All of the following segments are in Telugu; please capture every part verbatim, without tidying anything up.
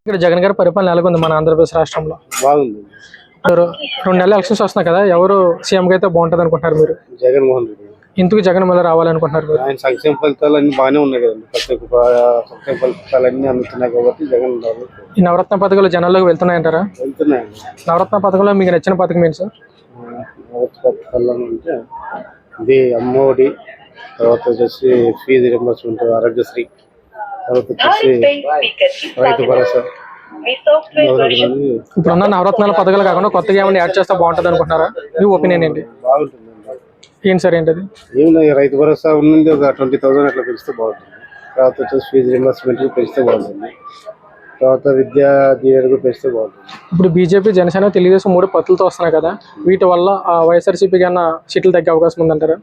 ఇక్కడ జగన్ గారి పరిపాలన ఎలాగుంది మన ఆంధ్రప్రదేశ్ రాష్ట్రంలో? బాగుంది. రో- రెండు నెలల ఎలక్షన్స్ వస్తున్నాయి కదా, ఎవరు సీఎంగా అయితే బాగుంటుంది అనుకుంటున్నారు మీరు? జగన్మోహన్ రెడ్డి ఎందుకు జగన్ మళ్ళీ రావాలనుకుంటున్నారు మీరు? ఆయన సంక్షేమ ఫలితాలు అన్ని బాగానే ఉన్నాయి కదండి. ప్రతి ఒక్క ప- సంక్షేమ ఫలితాలు అన్ని అందుతున్నాయి కాబట్టి జగన్ రావాలి. ఈ నవరత్న పథకాలు జనాల్లోకి వెళ్తున్నాయంటారా? వెళ్తున్నాయండి. నవరత్న పథకంలో మీకు నచ్చిన పథకం ఏంటి సార్? పథకాలు అంటే ఇది అమ్మఒడి, తర్వాత వచ్చేసి ఫీజు రింబర్స్మెంట్, ఆరోగ్యశ్రీ, తర్వాత వచ్చేసి రైతు భరోసా. మొదలగునవి ఇప్పుడున్న నవరత్నాల పథకాలు కాకుండా కొత్తగా ఏమైనా యాడ్ చేస్తే బాగుంటుంది అనుకుంటున్నారా? మీ ఒపీనియన్ ఏంటి? బాగుంటుందండి. ఏంటి సార్ ఏంటది? ఏం లేదు, రైతు భరోసా ఉన్నది ఒక ట్వంటీ థౌసండ్ అట్లా పెంచితే బాగుంటుంది. తర్వాత వచ్చేసి ఫీజు రింబర్స్మెంట్ పెంచితే బాగుంటుంది. తర్వాత విద్యా దీవెనకు పెంచితే బాగుంటుంది. ఇప్పుడు బీజేపీ, జనసేన, తెలుగుదేశం మూడు పత్తులతో వస్తున్నాయి కదా, వీటి వల్ల ఆ వైఎస్ఆర్సీపీ కన్నా సీట్లు తగ్గే అవకాశం ఉందంటారా?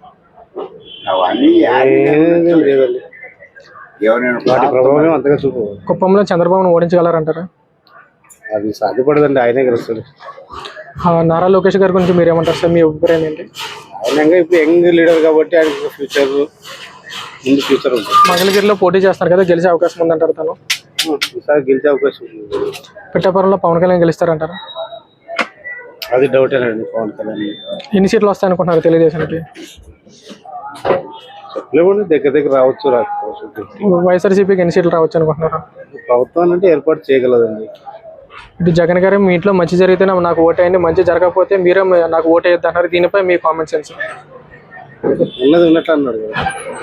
ఏమీ లేదండి, వాటి ప్రభావం అంతగా చూపు. కుప్పంలో చంద్రబాబును ఓడించగలరంటారా? అది సాధ్యపడదండి, ఆయనే గెలుస్తాడు. ఆ, నారా లోకేష్ గారి గురించి మీరు ఏమంటారు సార్? మీ అభిప్రాయం ఏంటి? ఆయన ఇప్పుడు యంగ్ లీడర్ కాబట్టి ఆయనకు ఫ్యూచర్ ముందు ఫ్యూచర్ ఉంటుంది. మంగళగిరిలో పోటీ చేస్తారు కదా, గెలిచే అవకాశం ఉందంటారు తను? ఈసారి గెలిచే అవకాశం ఉంది. పిఠాపురంలో పవన్ కళ్యాణ్ గెలుస్తారంటారా? అది డౌటేనండి. పవన్ కళ్యాణ్ ఎన్ని సీట్లు వస్తాయనుకుంటున్నారు తెలుగుదేశానికి? చెప్పలేమండి, దగ్గర దగ్గర రావచ్చు రాకపోవచ్చు. వైఎస్ఆర్సీపీకి ఎన్ని సీట్లు రావచ్చు అనుకుంటున్నారు? ప్రభుత్వం అంటే ఏర్పాటు చేయగలదండి. ఇటు జగన్ గారు మీ ఇంట్లో మంచి జరిగితే నాకు ఓటేయండి, మంచి జరగకపోతే మీరే నాకు ఓటేయద్దు అన్నారు. దీనిపై మీ కామెంట్ సెన్స్? ఉన్నది ఉన్నట్లు అన్నాడు కదా.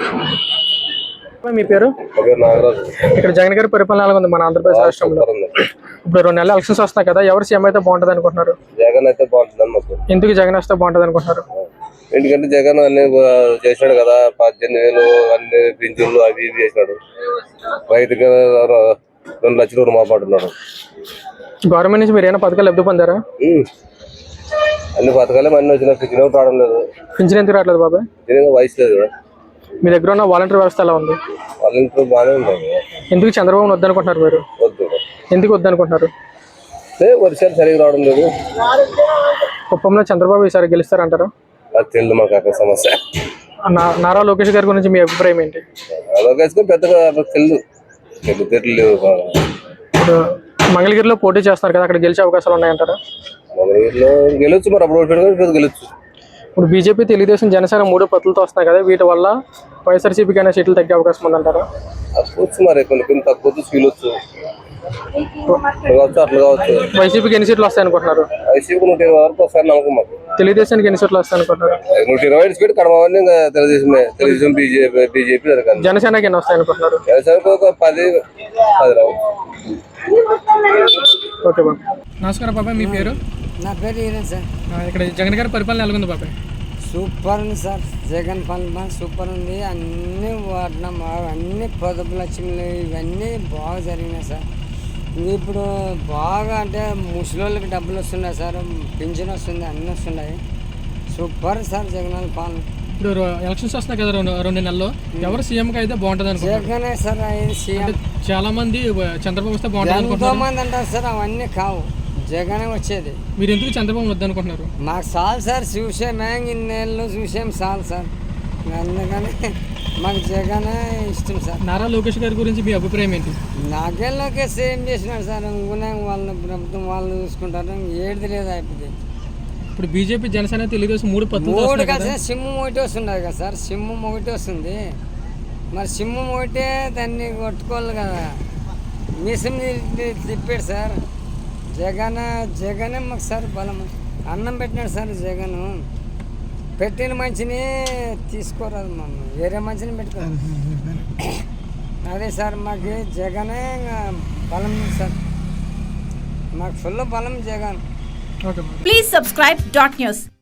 మీ పేరు? ఇక్కడ జగన్ గారి పరిపాలన ఎలా ఉంది మన ఆంధ్రప్రదేశ్ రాష్ట్రంలో? ఇప్పుడు రెండు నెలల ఎలక్షన్స్ వస్తాయి కదా, ఎవరు సీఎం అయితే బాగుంటుంది అనుకుంటున్నారు? జగన్ అయితే బాగుంటుంది. ఎందుకు జగన్ వస్తే బాగుంటుంది అనుకుంటున్నారు? ఎందుకంటే జగన్ అన్ని చేసినాడు కదా, పద్దెనిమిది వేలు అన్ని పింఛన్లు అవి ఇవి చేసినాడు. రైతుకి రెండు లక్షలు రుణమాపడుతున్నాడు. గవర్నమెంట్ నుంచి మీరు ఏమైనా పథకాలు లబ్ధి పొందారా? అన్ని పథకాలే అన్ని వచ్చినా పింఛన్ రావడం లేదు. పింఛన్ ఎందుకు రావట్లేదు బాబాయ్? వయసు లేదు కదా. మీ దగ్గర ఉన్న వాలంటీర్ వ్యవస్థ ఎలా ఉంది? వాళ్ళ ఇంట్లో బాగానే ఉంటుంది. ఎందుకు చంద్రబాబు వద్దనుకుంటున్నారు మీరు? వద్దు, ఎందుకు వద్దనుకుంటున్నారు? వర్షాలు సరిగ్గా రావడం లేదు. కుప్పంలో చంద్రబాబు ఈసారి గెలుస్తారంటారా? అది తెలియదు మాకు అక్కడ సమస్య. నా- నారా లోకేష్ గారి గురించి మీ అభిప్రాయం ఏంటి? అలాగేసుకొని పెద్దగా తెలియదు తెలియదు తెలియలేదు బాగా. ఇప్పుడు మంగళగిరిలో పోటీ చేస్తున్నారు కదా, అక్కడ గెలిచే అవకాశాలు ఉన్నాయంటారా? మంగళగిరిలో గెలవచ్చు, మరి అప్పుడు ఓడిపోయాడు గెలవచ్చు. ఇప్పుడు బీజేపీ, తెలుగుదేశం, జనసేన మూడు పత్తులతో వస్తున్నాయి కదా, వీటి వల్ల వైఎస్ఆర్సీపీకి అయినా సీట్లు తగ్గే అవకాశం ఉందంటారా? తక్కువచ్చు, మరి కొన్ని కొన్ని తక్కువ ఫీలొచ్చు, కావచ్చు అట్లా కావచ్చు. వైసీపీకి ఎన్ని సీట్లు వస్తాయి అనుకుంటున్నారు? వైసీపీ నూట ఇరవై వరకు వస్తాయని నమ్మకం మాకు. తెలుగుదేశానికి ఎన్ని సీట్లు వస్తాయి అనుకుంటున్నారు? నూట ఇరవై ఐదు పెట్టి కడమవన్నీ ఇంకా తెలుగుదేశమే. తెలుగుదేశం బీజేపీ బీజేపీ జరగాలి. జనసేనకి ఎన్ని వస్తాయి అనుకుంటున్నారు? వ్యవసాయానికి ఒక పది పది రావు. ఓకే బాబు. నమస్కారం బాబాయ్, మీ పేరు? నా పేరు ఈయన సార్. ఆ, ఇక్కడ జగన్ గారి పరిపాలన ఎలాగుంది బాబాయ్? సూపర్ ఉంది సార్. జగన్ పాలన సూపర్ ఉంది. అన్నీ వాడినాం, అన్ని పొదుపు లక్ష్మిలు ఇవన్నీ బాగా జరిగినాయి సార్. ఇప్పుడు బాగా అంటే ముసలోళ్ళకి డబ్బులు వస్తున్నాయి సార్, పింఛన్ వస్తుంది, అన్నీ వస్తున్నాయి. సూపర్ సార్ జగన్ పాలన. ఇప్పుడు రో- ఎలక్షన్స్ వస్తున్నాయి కదా, రెండు రెండు నెలల్లో ఎవరు సీఎంకి అయితే బాగుంటుంది అనుకుంటున్నారు? జగనే సార్ అయింది సీఎం. చాలా మంది చంద్రబాబు వస్తే బాగుంటుంది ఎంతో అనుకుంటున్నారు. మంది అంటారు సార్, అవన్నీ కావు, జగనే వచ్చేది. మీరు ఎందుకు చంద్రబాబు వద్దనుకుంటున్నారు? మాకు చాలు సార్, చూసామే ఇన్నేళ్ళు చూసాం చాలు సార్. అందుకని మాకు జగనే ఇష్టం సార్. నారా లోకేష్ గారి గురించి మీ అభిప్రాయం ఏంటి? నాకేళ్ళకే సేమ్ చేసినాడు సార్. ఇంకునే వాళ్ళ ప్రభుత్వం వాళ్ళు చూసుకుంటారు, ఏడిది లేదు అయిపోయింది. ఇప్పుడు బీజేపీ, జనసేన, తెలుగుదేశం మూడు పత్తులతో మూడు వస్తున్నాయి కదా. కలిసి సింహం ఒకటి వస్తుండదు కదా సార్. సింహం ఒకటి వస్తుంది, మరి సింహం ఒకటే దాన్ని కొట్టుకోవాలి కదా. మిసం తిప్పాడు సార్ జగన్. జగనే మాకు సార్ బలం. అన్నం పెట్టినాడు సార్ జగన్. పెట్టిన మంచిని తీసుకోరాదు, మమ్మల్ని వేరే మంచిని పెట్టుకోవాలి. అదే సార్ మాకు జగనే బలం సార్, మాకు ఫుల్ బలం Jagan. Okay. Please subscribe dot news.